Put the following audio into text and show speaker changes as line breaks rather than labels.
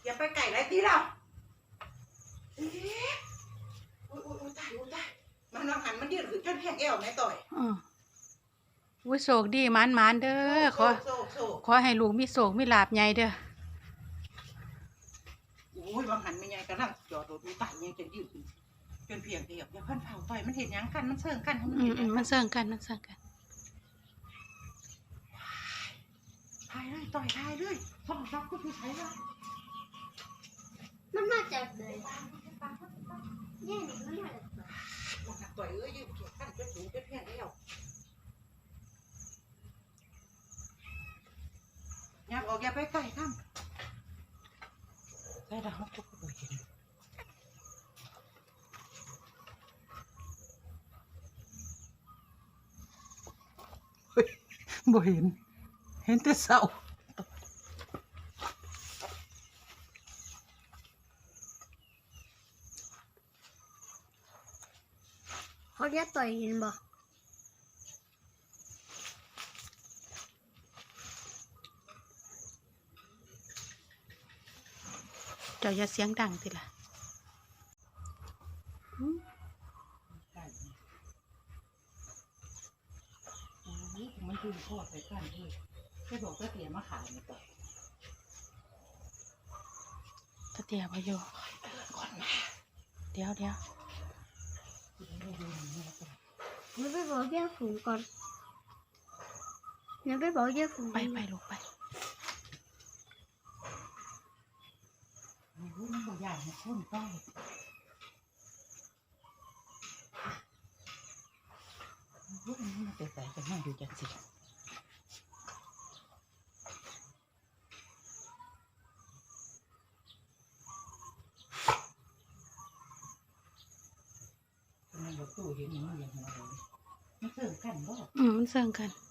อย่าไปไก่ไรตีเราอุ้ยตายมันนองหันมันยืดขึ้นจนแห้งแอวแม่ต่อย
อุ้ยโศกดีมันเด้อขอให้ลูกมีโศกมีลาภใหญ่เด้อ
อุ้ยบางหันไม่ใหญ่กำลังจอดรถมีตายยังจะยืดขึ้นจนเพียงเดียวอย่าเพิ่นเผาต่อยมันเห็นยังกันมันเชิงกัน
มันเชิงกัน
ทายเลยต่อยทายเลยส่องซับก็คือใช้ละ
มันมาจากไหนเนี่ยมันมาจากไหน
ต่อยยืดเขียนกันจนสูงจนแห้งแอวยับออกอย่าไปไก่ข้ามได้ดาวทุกคนเห็นบ่เห็นแต่เสา
เขาจะต่อยเห็นบ่
เจ้าอย่าเสียงดังสิล่ะ
มันคือทอดไปกันด้วยแค่บอกก็เตรียมมาขายนี่ก่อน
ตะเตียบอยู่
ก่อนมา
เดี๋ยว
มันไปบอกแย่ฝูงก่อนมันไปบอกแย่ฝูง
ไปลูกไป
มันบ่ใหญ่มันข้นไปมันไปใส่กันนั่งอยู่จังสิมันอยู่ตู้เห็นมันอย่างไรมันเสริมกันบ่
มันเสริมกัน